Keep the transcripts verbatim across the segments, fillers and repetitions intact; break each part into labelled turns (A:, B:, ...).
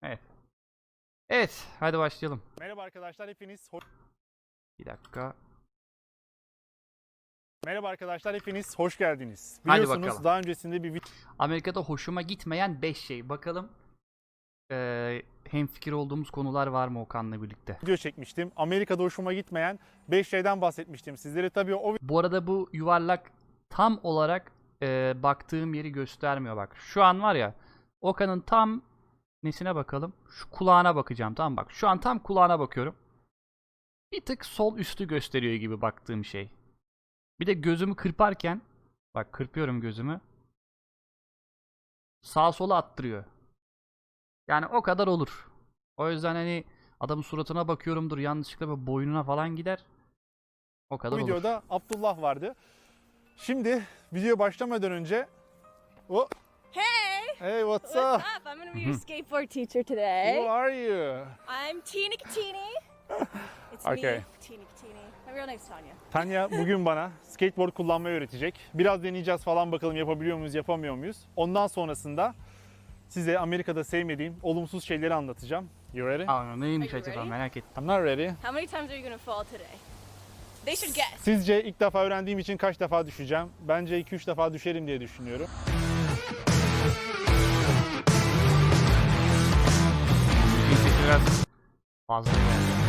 A: Evet. Evet, hadi başlayalım.
B: Merhaba arkadaşlar, hepiniz hoş...
A: Bir dakika.
B: Merhaba arkadaşlar, hepiniz hoş geldiniz.
A: Hadi
B: Biliyorsunuz
A: bakalım.
B: daha öncesinde bir
A: Amerika'da hoşuma gitmeyen beş şey. Bakalım ee, hemfikir olduğumuz konular var mı Okan'la birlikte?
B: video çekmiştim. Amerika'da hoşuma gitmeyen beş şeyden bahsetmiştim sizlere. Tabii o
A: Bu arada bu yuvarlak tam olarak ee, baktığım yeri göstermiyor bak. Şu an var ya, Okan'ın tam nesine bakalım? Şu kulağına bakacağım, tamam bak. Şu an tam kulağına bakıyorum. Bir tık sol üstü gösteriyor gibi baktığım şey. Bir de gözümü kırparken, bak kırpıyorum gözümü, sağa sola attırıyor. Yani o kadar olur. O yüzden hani adamın suratına bakıyorumdur, yanlışlıkla böyle boynuna falan gider. O kadar olur.
B: videoda Abdullah vardı. Şimdi video başlamadan önce oh,
C: Hey!
B: hey what's,
C: What's
B: up?
C: up? I'm gonna be your skateboard teacher today.
B: Who are you?
C: I'm Tina Katini. It's
B: Okay.
C: me, Tina Katini. My real name's Tanya.
B: Tanya bugün bana skateboard kullanmayı öğretecek. Biraz deneyeceğiz falan, bakalım yapabiliyor muyuz, yapamıyor muyuz? Ondan sonrasında size Amerika'da sevmediğim olumsuz şeyleri anlatacağım. You ready?
A: Aa, neymiş
C: Are you
A: acaba,
C: ready?
A: merak ettim.
B: I'm not ready.
C: How many times are you gonna fall today? They should guess.
B: Sizce ilk defa öğrendiğim için kaç defa düşeceğim? Bence iki üç defa düşerim diye düşünüyorum.
A: Bir sesi biraz fazla geldi.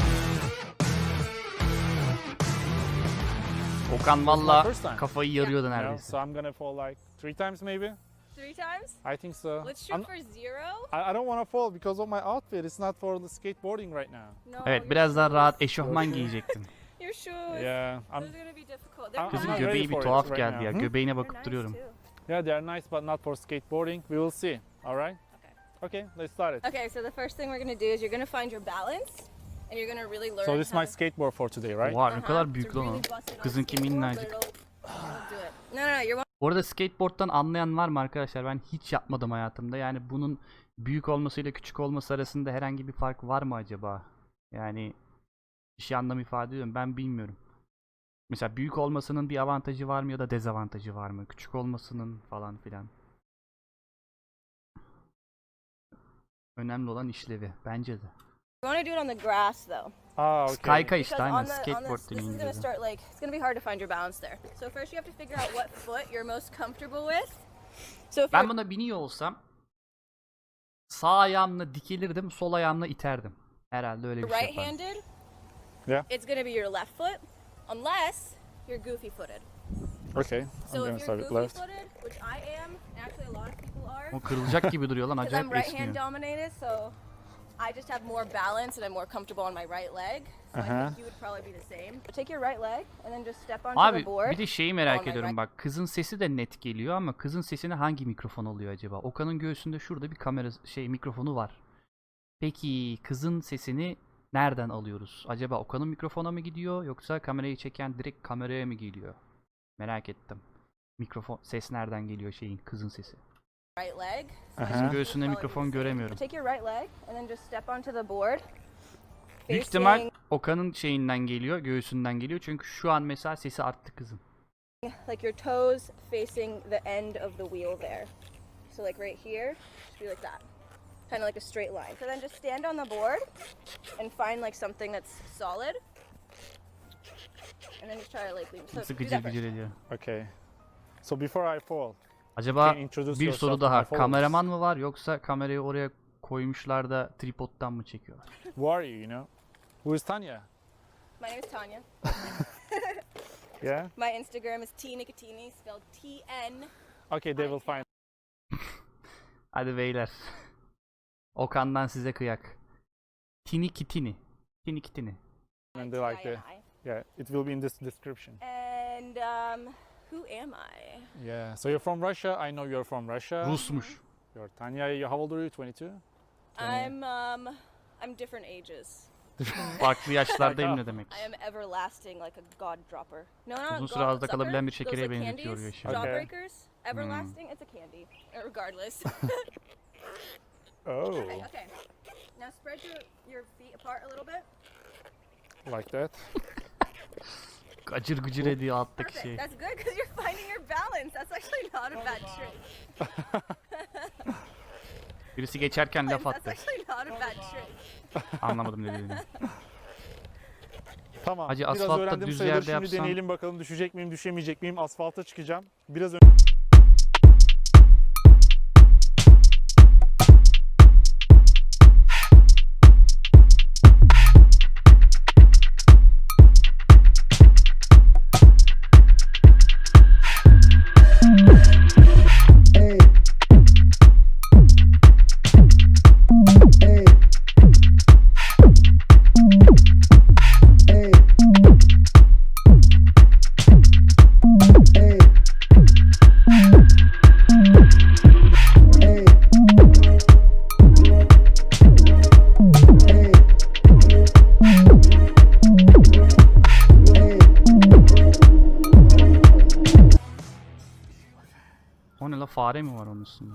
A: Okan valla
B: First time.
A: kafayı yarıyordu
B: You know,
A: neredeyse.
B: so I'm gonna fall like three times maybe.
C: Three times?
B: I think so.
C: Let's shoot
B: I'm-
C: for zero.
B: I, I don't want to fall because of my outfit. It's not for the skateboarding right now.
C: No.
A: Evet,
C: your
A: biraz daha
C: shoes.
A: rahat eşofman giyecektin.
C: Your shoes.
B: Yeah, I'm.
C: Those are gonna be difficult. They're
B: I'm
A: Kızın
B: not
C: nice.
B: ready
A: göbeği bir
B: for it
A: tuhaf
B: right
A: geldi
B: now.
A: ya.
B: Hmm?
A: Göbeğine
C: They're
A: bakıp
C: nice
A: duruyorum.
C: too.
B: Yeah, they're nice, but not for skateboarding. We will see. All right.
C: Okay.
B: Okay, let's start it.
C: Okay, so the first thing we're gonna do is you're gonna find your balance, and you're gonna really learn.
B: So this is
C: how
B: my
C: to-
B: skateboard for today, right?
A: Oha ne
C: Uh-huh,
A: kadar
C: to
A: büyük lan o.
C: really bust it on
A: Kızınki
C: skateboard,
A: minnacık.
C: but it'll- it'll do it. No, no, no. You're
A: Bu arada skateboard'dan anlayan var mı arkadaşlar? Ben hiç yapmadım hayatımda. Yani bunun büyük olmasıyla küçük olması arasında herhangi bir fark var mı acaba? Yani bir şey anlam ifade ediyor mu? Ben bilmiyorum. Mesela büyük olmasının bir avantajı var mı ya da dezavantajı var mı? Küçük olmasının falan filan. Önemli olan işlevi bence de.
C: You want to do it on the grass though.
B: Ah, okay.
A: Kayka işte
C: Because
A: aynen
C: on the, on
A: skateboard
C: this, this
A: deniyor
C: is gonna
A: İngilizce.
C: start like it's gonna be hard to find your balance there. So first you have to figure out what foot you're most comfortable with. So if
A: Ben
C: you're
A: buna biniyor olsam sağ ayağımla dikilirdim, sol ayağımla iterdim. Herhalde öyle bir şey yapardım.
C: right-handed,
B: Yeah.
C: it's gonna be your left foot, unless you're goofy-footed.
B: Okay, I'm
C: So
B: gonna
C: if
B: start
C: you're
B: it left.
C: goofy-footed, which I am, and actually a lot of people are,
A: O kırılacak gibi duruyor lan,
C: because I'm
A: acayip
C: right-hand
A: esniyor.
C: dominated, so I just have more balance and I'm more comfortable on my right leg. So I
B: Uh-huh.
C: think you would probably be the same. Take your right leg and then just step onto
A: Abi
C: the board.
A: bir de şeyi merak
C: on my
A: ediyorum
C: right.
A: bak, kızın sesi de net geliyor ama kızın sesini hangi mikrofon alıyor acaba? Okan'ın göğsünde şurada bir kamera şey mikrofonu var. Peki kızın sesini nereden alıyoruz? Acaba Okan'ın mikrofona mı gidiyor yoksa kamerayı çeken direkt kameraya mı geliyor? Merak ettim. Mikrofon ses nereden geliyor şeyin, kızın sesi?
C: Right leg. So I
B: Aha.
C: think you
A: Göğsünde
C: would
A: mikrofon
C: probably be the same.
A: göremiyorum.
C: Take your right leg and then just step onto the board.
A: Büyük ihtimal
C: Facing,
A: Okan'ın şeyinden geliyor, göğsünden geliyor. Çünkü şu an mesela sesi arttı kızın.
C: like your toes facing the end of the wheel there. So like right here, just be like that. Kind of like a straight line. So then just stand on the board and find like something that's solid. And then just try to like lean. So
A: Nasıl
C: do
A: gıcır
C: that first.
A: gıcır ediyor.
B: Okay. So before I fall,
A: Acaba
B: can you introduce
A: bir
B: yourself
A: soru
B: to my
A: daha.
B: followers?
A: Kameraman mı var yoksa kamerayı oraya koymuşlar da tripod'dan mı çekiyorlar?
B: Who are you? You know, who is Tanya?
C: My name is Tanya.
B: Yeah.
C: My Instagram is T Nicotini, spelled T N.
B: Okay, they will find.
A: Hadi beyler. Okan'dan size kıyak. Tini kitini. Tini kitini.
B: And they like the.
C: I.
B: Yeah, it will be in this description.
C: And um, who am I?
B: Yeah. So you're from Russia. I know you're from Russia.
A: Rusmuş.
B: You're Tanya. You- How old are you? twenty-two.
C: I'm um, I'm different ages.
A: Farklı yaşlardayım ne demek?
C: I am everlasting, like a god dropper. No, no,
A: Uzun
C: god
A: süre ağızda
C: sucker.
A: kalabilen bir
C: Those,
A: şekere
C: like,
A: benzetiyor
C: candies,
A: yaşıyor.
B: Okay.
C: Jawbreakers, everlasting. It's a candy, uh, regardless.
B: Oh,
C: okay, okay. Now spread your your feet apart a little bit.
B: like that.
A: Gacır gıcır ediyor alttaki
C: Perfect.
A: şey.
C: That's good because you're finding your balance. That's actually not a bad trick.
A: Birisi geçerken laf
C: That's
A: attı.
C: actually not a bad trick.
A: Anlamadım ne dediğini.
B: Tamam.
A: Hacı,
B: Biraz
A: asfaltta
B: öğrendim
A: düz
B: sayılır.
A: yerde
B: Şimdi
A: yapsan-
B: deneyelim bakalım düşecek miyim, düşemeyecek miyim? Asfalta çıkacağım. Biraz ön-
A: O ne la, fare mi var onun üstünde?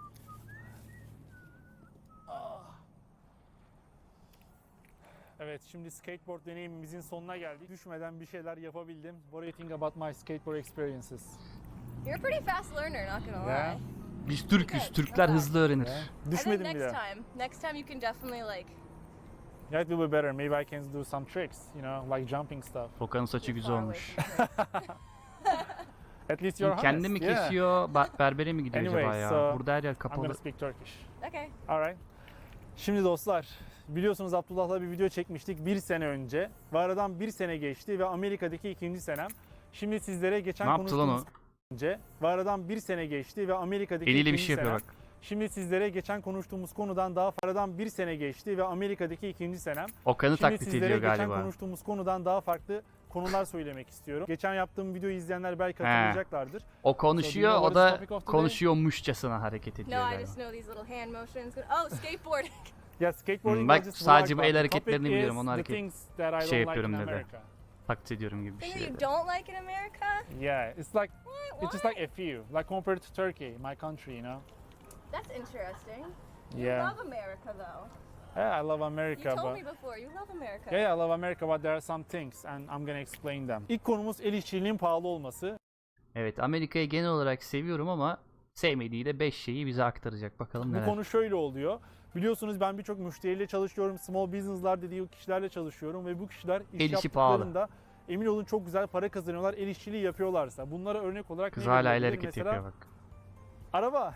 B: Evet, şimdi skateboard deneyimimizin sonuna geldik. Düşmeden bir şeyler yapabildim. What do you think about my skateboard experiences?
C: You're a pretty fast learner, not gonna
B: Yeah.
C: lie.
A: Biz Türk'üz. Türkler hızlı öğrenir.
B: Yeah.
C: I think
B: Düşmedim
C: next
B: bile.
C: time, next time you can definitely like.
B: Yeah, it will be better. Maybe I can do some tricks, you know, like jumping stuff.
A: Okan'ın saçı
C: You're
A: güzel
C: far away
A: olmuş.
C: from here.
B: At least you're honest.
A: Kendi mi
B: Yeah.
A: kesiyor, ba- berbere mi gidiyor
B: Anyway,
A: acaba ya?
B: so
A: Burada her yer
B: I'm
A: kapalı.
B: gonna speak Turkish.
C: Okay.
B: Alright. Şimdi dostlar, biliyorsunuz Abdullah'la bir video çekmiştik bir sene önce. Ve aradan bir sene geçti ve Amerika'daki ikinci senem. Şimdi sizlere geçen
A: Ne yaptı lan o?
B: konuştuğumuz önce ve aradan bir sene geçti ve Amerika'daki
A: Eliyle bir
B: ikinci
A: şey yapıyor
B: senem.
A: bak.
B: Şimdi sizlere geçen konuştuğumuz konudan daha aradan bir sene geçti ve Amerika'daki ikinci senem.
A: Okan'ı
B: Şimdi
A: taklit
B: sizlere
A: ediyor
B: geçen
A: galiba.
B: konuştuğumuz konudan daha farklı konular söylemek istiyorum. Geçen yaptığım videoyu izleyenler belki hatırlayacaklardır.
A: O konuşuyor,
B: So do you
A: o
B: know what
A: da
B: is the topic of today?
A: konuşuyormuşçasına hareket ediyor
C: No, I
A: galiba.
C: just know these little hand motions. Oh, skateboarding.
B: Ya skateboarding
A: Hmm, bak,
B: was just
A: sadece bu
B: vlog,
A: el
B: but the
A: hareketlerini
B: topic
A: biliyorum,
B: is
A: onu
B: the
A: hareket-
B: things that I
A: şey
B: don't
A: yapıyorum
B: like in
A: dedi.
B: America.
A: Taklit ediyorum gibi bir
C: Things
A: şey
C: that you
A: dedi.
C: don't like in America?
B: Yeah, it's like
C: What?
B: it's just like a few, like compared to Turkey, my country, you know.
C: That's interesting. You
B: Yeah.
C: love America though.
B: Yeah, I love
C: You
B: America,
C: told
B: but
C: me before you love America.
B: yeah, yeah, I love America, but there are some things, and I'm gonna explain them. İlk konumuz el işçiliğinin pahalı olması.
A: Evet, Amerika'yı genel olarak seviyorum ama sevmediği de beş şeyi bize aktaracak. Bakalım
B: Bu
A: neler.
B: konu şöyle oluyor. Biliyorsunuz ben birçok müşteriyle çalışıyorum, small business'lar dediği kişilerle çalışıyorum ve bu kişiler iş
A: El işi pahalı.
B: yaptıklarında emin olun çok güzel para kazanıyorlar el işçiliği yapıyorlarsa. Bunlara örnek olarak
A: Kız
B: ne
A: hala el
B: verilebilir?
A: hareketi
B: Mesela
A: yapıyor bak.
B: araba.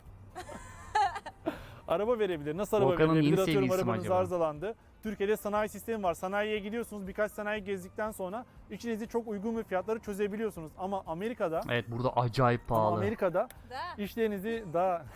B: Araba verebilir. Nasıl araba
A: Volkan'ın
B: verebilir?
A: yeni
B: Atıyorum
A: sevgilisi mi
B: arabanız
A: acaba?
B: arızalandı. Türkiye'de sanayi sistemi var. Sanayiye gidiyorsunuz. Birkaç sanayi gezdikten sonra içinizi çok uygun bir fiyatları çözebiliyorsunuz. Ama Amerika'da
A: Evet, burada acayip
B: ama
A: pahalı.
B: Amerika'da
C: That.
B: işlerinizi daha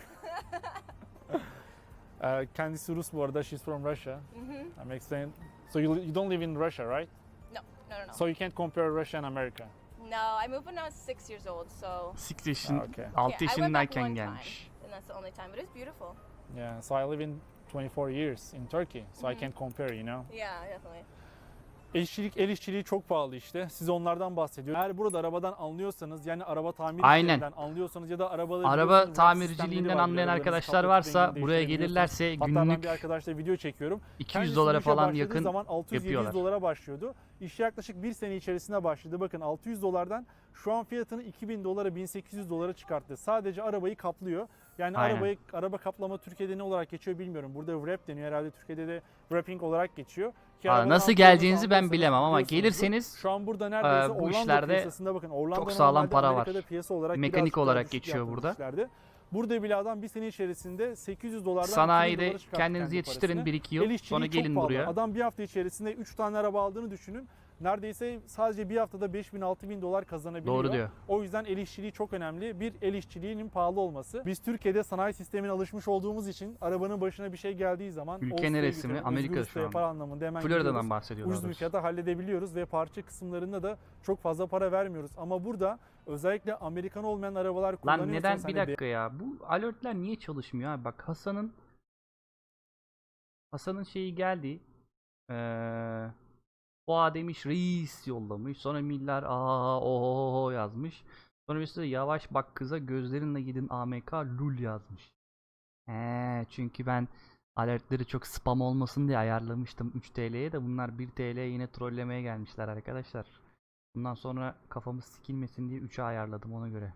B: Ee, kendisi Rus bu arada. She's from Russia.
C: Mhm.
B: I'm explaining. So you, you don't live in Russia, right?
C: No, no, no, no.
B: So you can't compare Russia and America.
C: No, I moved when I was six years old, so.
A: six yaşın,
B: Ah, okay.
A: altı
C: Yeah, I went back
A: yaşındayken
C: one
A: gelmiş.
C: time, and that's the only time. But it's beautiful.
B: Yeah. So I live in twenty-four years in Turkey. So I
C: Mhm.
B: can't compare, you know.
C: Yeah, definitely.
B: El işçilik, el işçiliği çok pahalı işte. Size onlardan bahsediyorum. Eğer burada arabadan anlıyorsanız, yani araba tamir
A: Aynen.
B: işlerinden anlıyorsanız ya da arabaları
A: Araba
B: biliyorsunuz, wrap
A: tamirciliğinden
B: sistemleri vardır,
A: anlayan
B: arabalarınızı
A: arkadaşlar
B: kapatıp
A: varsa
B: rengini
A: buraya
B: değiştirebiliyorsunuz.
A: gelirlerse
B: Hatta ben
A: günlük
B: bir arkadaşla video çekiyorum.
A: iki yüz
B: Kendisi
A: dolara
B: bu işe
A: falan
B: başladığı
A: yakın
B: zaman altı yüz yedi yüz
A: yapıyorlar.
B: dolara başlıyordu. İş yaklaşık bir sene içerisinde başladı. Bakın altı yüz dolardan şu an fiyatını iki bin dolara, bin sekiz yüz dolara çıkarttı. Sadece arabayı kaplıyor. Yani
A: Aynen.
B: arabayı, araba kaplama Türkiye'de ne olarak geçiyor bilmiyorum. Burada wrap deniyor, herhalde Türkiye'de de wrapping olarak geçiyor. Ki
A: Aa,
B: arabadan
A: nasıl
B: aldığınızı
A: geleceğinizi ben
B: anlıyorsanız
A: bilemem ama
B: biliyorsunuzdur.
A: gelirseniz
B: Şu an burada neredeyse
A: bu
B: Orlando
A: işlerde
B: piyasasında bakın. Orlando
A: sağlam
B: normalde
A: para var.
B: Amerika'da piyasa olarak
A: Mekanik
B: birazcık daha
A: olarak
B: düşük
A: geçiyor
B: yaptığı
A: burada.
B: işlerde. Burada bile adam bir sene içerisinde sekiz yüz dolardan iki bin
A: sanayide
B: dolara çıkarttı
A: kendinizi
B: kendi
A: yetiştirin
B: parasını.
A: bir iki
B: El
A: yıl
B: işçiliği
A: sonra
B: çok
A: gelin
B: pahalı.
A: buraya.
B: Adam bir hafta içerisinde üç tane araba aldığını düşünün. Neredeyse sadece bir haftada beş bin altı bin dolar kazanabiliyor.
A: Doğru diyor.
B: O yüzden el işçiliği çok önemli. Bir, el işçiliğinin pahalı olması. Biz Türkiye'de sanayi sistemine alışmış olduğumuz için arabanın başına bir şey geldiği zaman
A: Ülke
B: Avusturya'ya
A: neresi mi?
B: götürüp
A: Amerika
B: Özgür
A: şu
B: Usta
A: an.
B: yapar anlamında hemen gidiyoruz.
A: Florida'dan bahsediyorlar.
B: Ucuz bir
A: doğrusu.
B: fiyata halledebiliyoruz ve parça kısımlarında da çok fazla para vermiyoruz. Ama burada özellikle Amerikan olmayan arabalar
A: Lan
B: kullanıyorsanız
A: neden
B: hani
A: bir dakika ya? Bu alertler niye çalışmıyor abi? Bak Hasan'ın Hasan'ın şeyi geldi. Ee, Oha demiş reis yollamış. Sonra Miller aa oho yazmış. Sonra birisi de yavaş bak kıza gözlerinle gidin A M K lul yazmış. He, çünkü ben alertleri çok spam olmasın diye ayarlamıştım üç T L'ye de bunlar bir T L'ye yine trollemeye gelmişler arkadaşlar. Bundan sonra kafamız sikilmesin diye üçe ayarladım ona göre.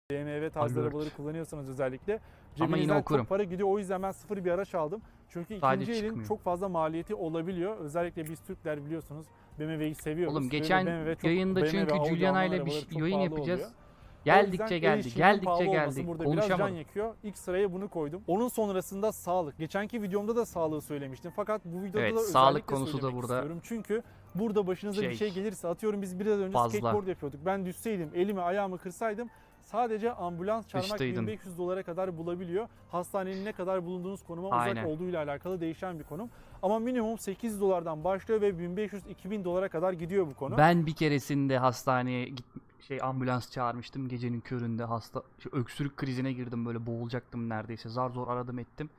B: B M W tarzı
A: Alert.
B: arabaları kullanıyorsanız özellikle
A: Ama
B: cebinizden
A: yine okurum.
B: çok para gidiyor. O yüzden ben sıfır bir araç aldım. Çünkü
A: Sadece
B: ikinci elin
A: çıkmıyor.
B: çok fazla maliyeti olabiliyor. Özellikle biz Türkler biliyorsunuz B M W'yi seviyoruz.
A: Oğlum
B: Ve
A: geçen
B: B M W çok-
A: yayında
B: B M W,
A: çünkü
B: Audi,
A: Juliana
B: Alman
A: ile bir
B: arabaları
A: şey-
B: çok
A: yayın
B: pahalı
A: yapacağız.
B: oluyor. O
A: Geldikçe
B: yüzden el
A: geldi,
B: işçiliğinin
A: geldikçe
B: pahalı olması
A: geldi.
B: burada biraz can
A: Konuşamadım.
B: yakıyor. İlk sıraya bunu koydum. Onun sonrasında sağlık. Geçenki videomda da sağlığı söylemiştim. Fakat bu videoda
A: Evet,
B: da
A: sağlık
B: özellikle
A: konusu da
B: söylemek
A: burada
B: istiyorum. Çünkü burada başınıza
A: şey,
B: bir şey gelirse, atıyorum biz biraz önce
A: fazla.
B: skateboard yapıyorduk. Ben düşseydim, elimi ayağımı kırsaydım sadece ambulans çağırmak
A: Dıştaydın.
B: bin beş yüz dolara kadar bulabiliyor. Hastanenin ne kadar bulunduğunuz konuma uzak
A: Aynen.
B: olduğuyla alakalı değişen bir konum. Ama minimum sekiz yüz dolardan başlıyor ve bin beş yüz iki bin dolara kadar gidiyor bu konu.
A: Ben bir keresinde hastaneye git şey ambulans çağırmıştım gecenin köründe hasta şey, öksürük krizine girdim böyle boğulacaktım neredeyse zar zor aradım ettim.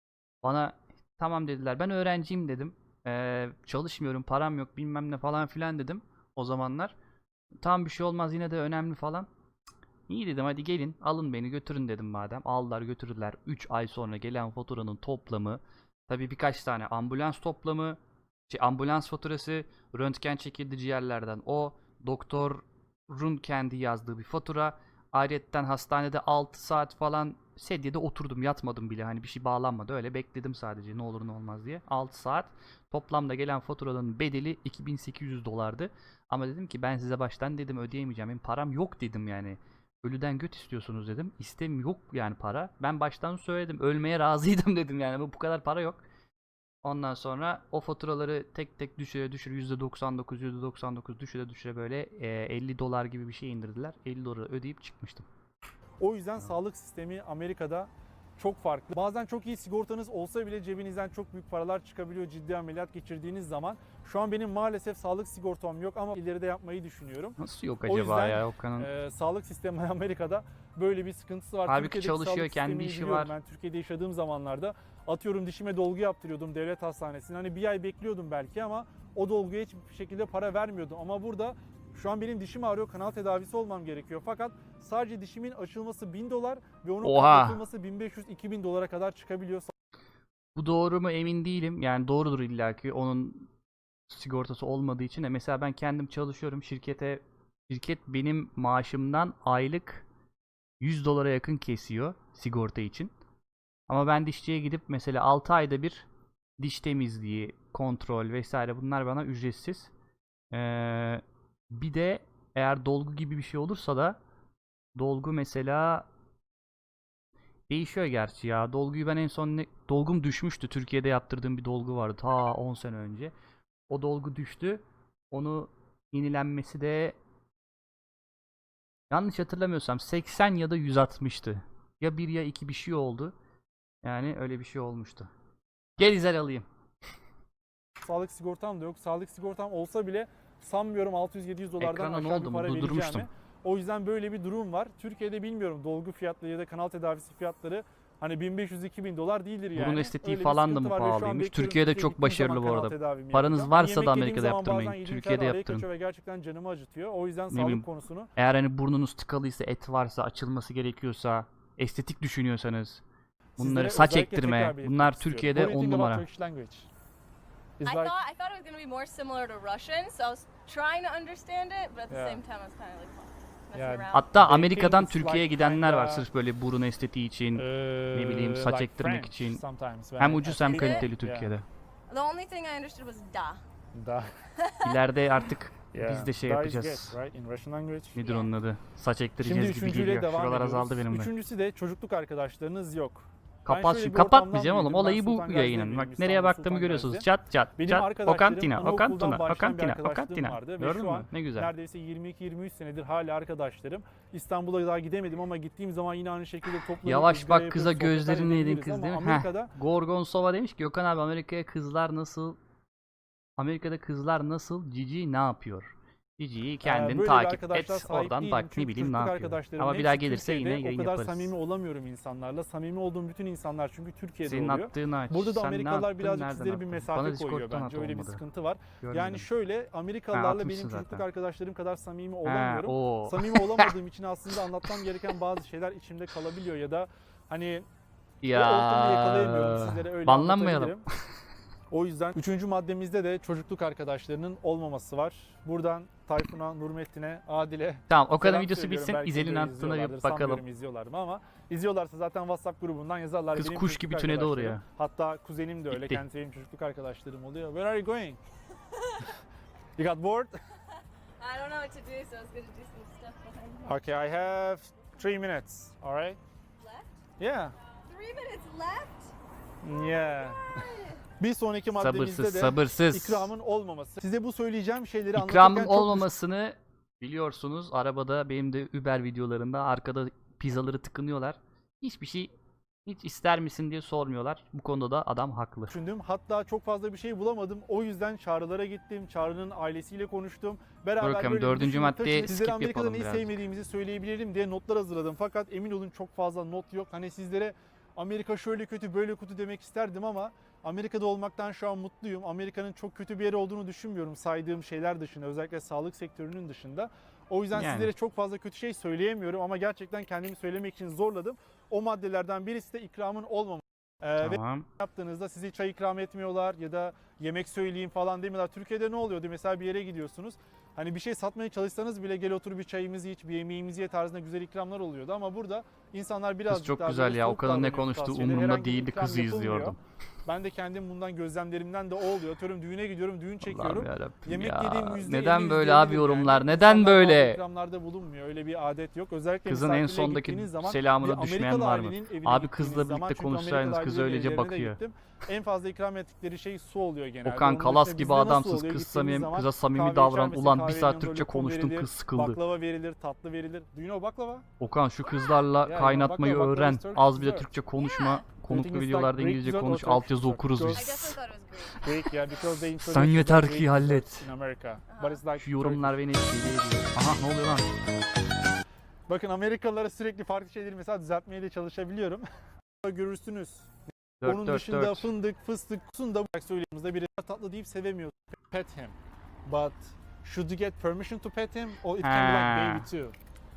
A: Bana tamam dediler ben öğrenciyim dedim. Ee, çalışmıyorum param yok bilmem ne falan filan dedim o zamanlar. Tam bir şey olmaz yine de önemli falan. İyi dedim hadi gelin alın beni götürün dedim madem. Aldılar götürdüler. üç ay sonra gelen faturanın toplamı. Tabii birkaç tane ambulans toplamı. Şey, ambulans faturası. Röntgen çekildi ciğerlerden. O doktorun kendi yazdığı bir fatura. Ayrıyetten hastanede altı saat falan sedyede oturdum yatmadım bile. Hani bir şey bağlanmadı öyle bekledim sadece ne olur ne olmaz diye. altı saat. Toplamda gelen faturanın bedeli iki bin sekiz yüz dolardı. Ama dedim ki ben size baştan dedim ödeyemeyeceğim. Benim param yok dedim yani. Ölüden göt istiyorsunuz dedim. İstem yok yani para. Ben baştan söyledim. Ölmeye razıydım dedim yani. Bu kadar para yok. Ondan sonra o faturaları tek tek düşüre düşüre yüzde doksan dokuz yüzde doksan dokuz düşüre düşüre böyle e, elli dolar gibi bir şey indirdiler. elli doları ödeyip çıkmıştım.
B: O yüzden sağlık sistemi Amerika'da çok farklı. Bazen çok iyi sigortanız olsa bile cebinizden çok büyük paralar çıkabiliyor ciddi ameliyat geçirdiğiniz zaman. Şu an benim maalesef sağlık sigortam yok ama ileride yapmayı düşünüyorum.
A: Nasıl yok
B: O
A: acaba
B: yüzden,
A: ya Okan'ın?
B: Ee, sağlık sistemi Amerika'da böyle bir sıkıntısı var.
A: Halbuki
B: Türkiye'deki
A: çalışıyor,
B: sağlık
A: kendi
B: sistemini
A: işi
B: biliyorum.
A: var.
B: Ben Türkiye'de yaşadığım zamanlarda atıyorum dişime dolgu yaptırıyordum devlet hastanesinde. Hani bir ay bekliyordum belki ama o dolguya hiçbir şekilde para vermiyordum. Ama burada şu an benim dişim ağrıyor, kanal tedavisi olmam gerekiyor. Fakat sadece dişimin açılması bin dolar ve onun
A: Oha!
B: kapatılması bin beş yüz iki bin dolara kadar çıkabiliyor.
A: Bu doğru mu emin değilim. Yani doğrudur illaki. Onun sigortası olmadığı için de mesela ben kendim çalışıyorum şirkete. Şirket benim maaşımdan aylık yüz dolara yakın kesiyor sigorta için. Ama ben dişçiye gidip mesela altı ayda bir diş temizliği, kontrol vesaire bunlar bana ücretsiz. Ee, bir de eğer dolgu gibi bir şey olursa da dolgu mesela değişiyor gerçi ya. Dolguyu ben en son ne, dolgum düşmüştü. Türkiye'de yaptırdığım bir dolgu vardı ta on sene önce. O dolgu düştü. Onu yenilenmesi de yanlış hatırlamıyorsam seksen ya da yüz altmıştı. Ya bir ya iki bir şey oldu. Yani öyle bir şey olmuştu. Gel İzel alayım.
B: Sağlık sigortam da yok. Sağlık sigortam olsa bile sanmıyorum altı yüz yedi yüz dolardan
A: Ekrana ne
B: aşağı
A: oldu
B: bir
A: mu?
B: para
A: Durdurmuştum.
B: vereceğimi. O yüzden böyle bir durum var. Türkiye'de bilmiyorum dolgu fiyatları ya da kanal tedavisi fiyatları hani bin beş yüz iki bin dolar değildir yani.
A: Burun estetiği
B: Öyle bir
A: falan da
B: sıkıntı
A: mı
B: var ve şu an
A: pahalıymış?
B: bekliyorum
A: Türkiye'de
B: Türkiye'ye
A: çok
B: gittiğim
A: başarılı
B: zaman
A: bu
B: kanal
A: arada.
B: tedavimi
A: Paranız
B: yapacağım.
A: varsa da
B: Yemek
A: Amerika'da
B: yediğim zaman
A: yaptırmayın.
B: bazen yediğim
A: Türkiye'de
B: şeyler araya
A: yaptırın.
B: kaçıyor ve gerçekten canımı acıtıyor. O yüzden
A: bileyim.
B: sağlık konusunu
A: Eğer hani burnunuz tıkalıysa, et varsa, açılması gerekiyorsa, estetik düşünüyorsanız, bunları
B: sizlere
A: saç
B: özellikle
A: ektirme,
B: tekrar belirtmek
A: bunlar
B: istiyorum.
A: Türkiye'de
B: What do you
A: on
B: think about
A: numara.
B: Turkish language?
C: I
B: It's
C: thought
B: like
C: I thought it was gonna be more similar to Russian, so I was trying to understand it, but at the
B: Yeah.
C: same time I was kind of like messing
B: Yeah.
C: around.
A: Hatta
B: They
A: Amerika'dan
B: think it's
A: Türkiye'ye
B: like
A: gidenler var
B: kinda-
A: sırf böyle burun estetiği için.
B: ne
A: bileyim, saç ektirmek için. Hem ucuz hem kaliteli Türkiye'de.
C: The only thing I understood was da.
B: Da.
A: İleride artık
B: Yeah.
A: biz de şey
B: Da is
A: yapacağız.
B: good, right? In Russian language.
A: Nedir
C: Yeah.
A: onun adı? Saç
B: Şimdi
A: ektireceğiz gibi
B: üçüncüyle
A: geliyor.
B: devam
A: Şuralar
B: ediyoruz.
A: azaldı benim de.
B: Üçüncüsü de çocukluk arkadaşlarınız yok.
A: Kapat
B: şöyle
A: şimdi.
B: bir
A: Kapatmayacağım
B: ortamdan
A: oğlum.
B: büyüdüm.
A: Olayı
B: Ben
A: bu
B: Sultan
A: yayının.
B: Gazi'deyim,
A: Bak nereye
B: İstanbul
A: baktığımı
B: Sultan
A: görüyorsunuz.
B: Gazi.
A: Çat çat
B: Benim
A: çat.
B: arkadaşlarım,
A: Okantina,
B: anaokuldan
A: Okantuna,
B: başlayan bir
A: Okantina,
B: arkadaşlığım
A: Okantina.
B: vardı ve
A: Gördün
B: şu
A: mü?
B: an
A: Ne güzel.
B: Neredeyse yirmi iki yirmi üç senedir hala arkadaşlarım. İstanbul'a daha gidemedim ama gittiğim zaman yine aynı şekilde toplanıp
A: Yavaş
B: ızgara
A: bak kıza
B: yapıyoruz, sohbetler
A: gözlerini yedin
B: edebiliriz
A: kız
B: ama
A: değil mi?
B: Amerika'da
A: Heh. Gorgonsova demiş ki Gökhan abi Amerika'ya kızlar nasıl? Amerika'da kızlar nasıl? Cici ne yapıyor? Cici'yi kendin
B: böyle bir
A: takip
B: arkadaşlar
A: et.
B: sahip
A: Oradan
B: değilim.
A: bak ne
B: Çünkü
A: bileyim ne
B: çocukluk
A: yapıyor.
B: arkadaşlarımın
A: Ama bir daha
B: hepsi
A: gelirse yine
B: Türkiye'de.
A: yayın
B: O kadar
A: yaparız.
B: samimi olamıyorum insanlarla. Samimi olduğum bütün insanlar çünkü Türkiye'de
A: Senin
B: oluyor.
A: attığını aç.
B: Burada da
A: Sen ne
B: Amerikalılar
A: attın,
B: birazcık
A: nereden
B: sizlere bir
A: attın?
B: mesafe
A: Bana
B: koyuyor
A: Discord'dan
B: bence.
A: at
B: Öyle bir
A: olmadı.
B: sıkıntı var.
A: Görmedim.
B: Yani şöyle Amerikalılarla
A: atmışsın
B: benim çocukluk
A: zaten.
B: arkadaşlarım kadar samimi
A: He,
B: olamıyorum.
A: o.
B: Samimi olamadığım için aslında anlatmam gereken bazı şeyler içimde kalabiliyor ya da hani o ortamı yakalayamıyorum sizlere öyle
A: banlanmayalım.
B: anlatabilirim. O yüzden üçüncü maddemizde de çocukluk arkadaşlarının olmaması var. Buradan Tayfun'a, Nurmettin'e, Adil'e.
A: Tamam Okan'ın
B: selam
A: videosu
B: söylüyorum.
A: bitsin.
B: Belki
A: İzel'in
B: videoyu
A: attığına bir
B: izliyorlardır,
A: bakalım.
B: sanmıyorum izliyorlar mı ama izliyorlarsa zaten WhatsApp grubundan yazarlar.
A: Kız
B: Benim
A: kuş
B: çocukluk
A: gibi tünedi oraya.
B: arkadaşlarım. Hatta kuzenim de öyle.
A: Gitti.
B: Kendisi benim çocukluk arkadaşlarım oluyor. Where are you going? You got bored?
C: I don't know what to do, so I was gonna do some stuff behind me.
B: Okay, I have three minutes. All right?
C: Left?
B: Yeah.
C: Three minutes left?
B: Yeah. Bir sonraki maddemizde
A: Sabırsız
B: de
A: sabırsız.
B: ikramın olmaması. Size bu söyleyeceğim şeyleri
A: İkramın
B: anlatırken çok
A: olmamasını biliyorsunuz. Arabada benim de Uber videolarında arkada pizzaları tıkınıyorlar. Hiçbir şey hiç ister misin diye sormuyorlar. Bu konuda da adam haklı.
B: düşündüm. Hatta çok fazla bir şey bulamadım. O yüzden Çağrı'lara gittim. Çağrı'nın ailesiyle konuştum. Beraber
A: Bakalım,
B: böyle bir
A: dördüncü
B: düşünüp
A: maddeye
B: taşınıp sizlere
A: skip
B: Amerika'da
A: yapalım
B: neyi
A: birazcık.
B: sevmediğimizi söyleyebilirim diye notlar hazırladım. Fakat emin olun çok fazla not yok. Hani sizlere Amerika şöyle kötü böyle kötü demek isterdim ama Amerika'da olmaktan şu an mutluyum. Amerika'nın çok kötü bir yer olduğunu düşünmüyorum saydığım şeyler dışında, özellikle sağlık sektörünün dışında. O yüzden
A: Yani.
B: sizlere çok fazla kötü şey söyleyemiyorum ama gerçekten kendimi söylemek için zorladım. O maddelerden birisi de ikramın olmaması. Ee, ve
A: Tamam.
B: yaptığınızda size çay ikram etmiyorlar ya da yemek söyleyeyim falan demiyorlar. Türkiye'de ne oluyordu? Mesela bir yere gidiyorsunuz. Hani bir şey satmaya çalışsanız bile gel otur bir çayımızı iç, bir yemeğimizi ye tarzında güzel ikramlar oluyordu. Ama burada insanlar biraz
A: Kız çok güzel ya. Okan'ın ne konuştuğu umurumda değildi. Kızı izliyordum.
B: Ben de kendim bundan gözlemlerimden de o oluyor. Atıyorum düğüne gidiyorum, düğün çekiyorum.
A: Allah'ım yarabbim
B: Yemek
A: ya.
B: yediğim yüzde
A: Neden
B: elli,
A: böyle
B: yüzde
A: abi
B: elli
A: yorumlar?
B: yani.
A: Neden
B: İnsanlar bazı
A: böyle?
B: ikramlarda bulunmuyor. Öyle bir adet yok. Özellikle
A: Kızın en
B: misafirliğe
A: sondaki
B: gittiğiniz zaman
A: selamına
B: bir
A: düşmeyen
B: Amerikalı
A: var mı?
B: ailenin evine
A: Abi
B: gittiğiniz
A: kızla
B: zaman,
A: birlikte
B: çünkü
A: konuşsaydınız
B: Amerikalı
A: kız
B: ailelerin
A: öylece
B: evlerine de
A: bakıyor.
B: gittim. En fazla ikram ettikleri şey su oluyor genelde.
A: Okan
B: Onun
A: Kalas
B: dışında
A: gibi
B: bizde nasıl
A: adamsız.
B: oluyor?
A: Kız
B: Gittiğimiz
A: samimi,
B: zaman
A: kıza samimi
B: kahve
A: davran.
B: içer misin?
A: Ulan bir
B: Kahvenin
A: saat
B: yanında
A: Türkçe
B: lokum
A: konuştum,
B: verilir,
A: kız sıkıldı.
B: Baklava verilir, tatlı verilir. Do you know baklava?
A: Okan şu kızlarla
B: Yeah,
A: kaynatmayı
B: baklava, baklava
A: öğren.
B: is Turkish
A: Az bile
B: dessert.
A: Türkçe konuşma.
C: Yeah.
A: Konuklu
B: Everything is
A: videolarda
B: like Greek
A: İngilizce
B: dessert or
A: konuş.
B: Turkish
A: Altyazı
B: dessert.
A: okuruz
C: I
A: biz.
C: definitely thought it was Greek.
B: Greek, yeah, because they
A: Sen
B: introduced
A: yeter
B: the
A: ki
B: Greek
A: hallet.
B: desserts in America. But it's like
A: Şu yorumlar beni deli ediyor. Aha ne oluyor lan?
B: Bakın Amerikalılara sürekli farklı şeyleri mesela düzeltmeye de çalışabiliyorum. Görürsünüz. Onun
A: dört dört
B: dışında
A: dört.
B: fındık, fıstık, kusunda bu söylediğimizde biri tatlı deyip sevemiyor. Pet him. But should you get permission to pet him or it can be like
A: Ha.
B: baby too?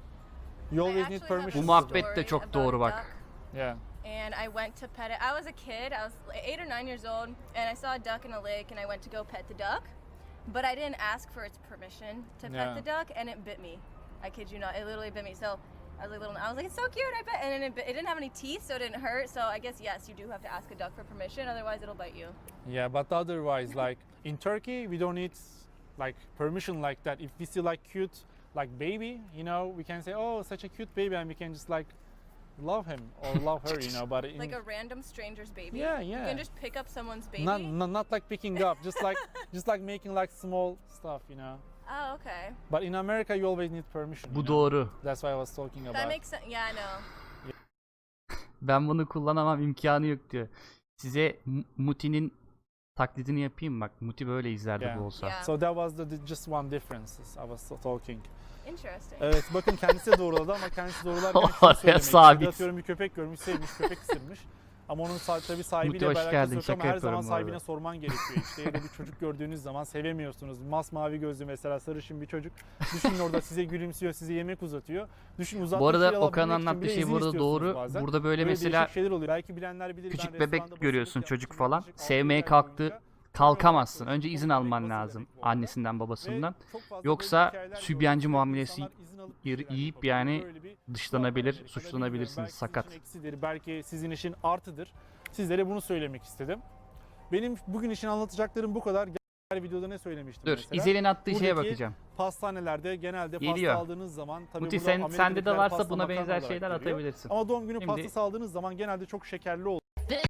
B: You always need
C: Bu
B: permission.
A: Bu muhabbet de çok doğru bak.
B: Yeah.
C: And I went to pet it. I was a kid. I was eight or nine years old, and I saw a duck in a lake, and I went to go pet the duck. But I didn't ask for its permission to pet
B: Yeah.
C: the duck, and it bit me. I kid you not, it literally bit me. So I was like little. I was like, it's so cute. I bet, and then it, bit, it didn't have any teeth, so it didn't hurt. So I guess yes, you do have to ask a duck for permission, otherwise it'll bite you.
B: Yeah, but otherwise, like in Turkey, we don't need like permission like that. If we see like cute, like baby, you know, we can say, oh, such a cute baby, and we can just like love him or love her, you know. But in,
C: Like a random stranger's baby.
B: Yeah,
C: You
B: yeah.
C: can just pick up someone's baby.
B: not, not not like picking up, just like just like making like small stuff, you know.
C: Oh, okay.
B: But in America, you always need permission. you
A: Bu
B: know?
A: doğru.
B: That's what I was talking about.
C: That makes sense. Yeah, I know.
A: Ben bunu kullanamam, imkanı yok diyor. Size M- Muti'nin taklidini yapayım bak. Muti böyle izlerdi
B: Yeah.
A: bu olsa.
C: Yeah.
B: So that was the, the just one difference I was talking.
C: Interesting.
B: Evet, bakın kendisi de doğruladı ama kendisi doğrularken şunu
A: Oraya
B: söylemek
A: sabit.
B: istedi. Atıyorum bir köpek görmüş, sevmiş, köpek ısırmış. Ama onun sa- tabii sahibiyle
A: Muti, hoş
B: alakası
A: geldin.
B: yok
A: Şaka
B: ama her zaman
A: yapıyorum bu arada.
B: sahibine sorman gerekiyor işte. Ya da bir çocuk gördüğünüz zaman sevemiyorsunuz. Masmavi gözlü mesela sarışın bir çocuk. Düşünün orada size gülümsüyor, size yemek uzatıyor. Düşünün uzattığı
A: Bu arada
B: şeyi
A: Okan'ın
B: alabilmek için
A: anlattığı
B: bile
A: şey
B: izin
A: burada
B: istiyorsunuz
A: doğru.
B: bazen.
A: Burada böyle
B: Böyle
A: mesela
B: değişik şeyler oluyor. Belki bilenler bilir.
A: küçük
B: ben
A: bebek
B: restoranda
A: görüyorsun,
B: basılık
A: çocuk
B: yapmıştım.
A: falan.
B: Yaklaşık altı
A: Sevmeye
B: yedi ay
A: kalktı.
B: boyunca.
A: Kalkamazsın.
B: Böyle
A: Önce izin
B: çok
A: alman
B: bebek
A: lazım.
B: basılı bebek bu arada.
A: Annesinden babasından.
B: Ve çok fazla
A: Yoksa
B: böyle hikayeler
A: sübyancı
B: gördüm.
A: muamelesi
B: İnsanlar izin alıp bir
A: yiyip
B: şeyler
A: yiyip
B: yapabiliyor.
A: yani
B: Böyle bir
A: dışlanabilir,
B: Amerika'da
A: suçlanabilirsiniz.
B: bilmiyorum. Belki
A: Sakat.
B: Sizin için eksidir, belki sizin için artıdır. Sizlere bunu söylemek istedim. Benim bugün için anlatacaklarım bu kadar. Diğer videoda ne söylemiştim
A: Dur,
B: mesela?
A: İzel'in attığı şeye
B: Buradaki
A: bakacağım.
B: Pastanelerde genelde
A: Geliyor.
B: pasta aldığınız zaman tabii
A: Muti
B: burada
A: sen, sende de
B: Amerika'dakiler
A: varsa
B: pasta
A: buna
B: makarna
A: benzer
B: olarak
A: şeyler
B: görüyor.
A: atabilirsin.
B: Ama doğum günü
A: Şimdi-
B: pastası aldığınız zaman genelde çok şekerli oluyor.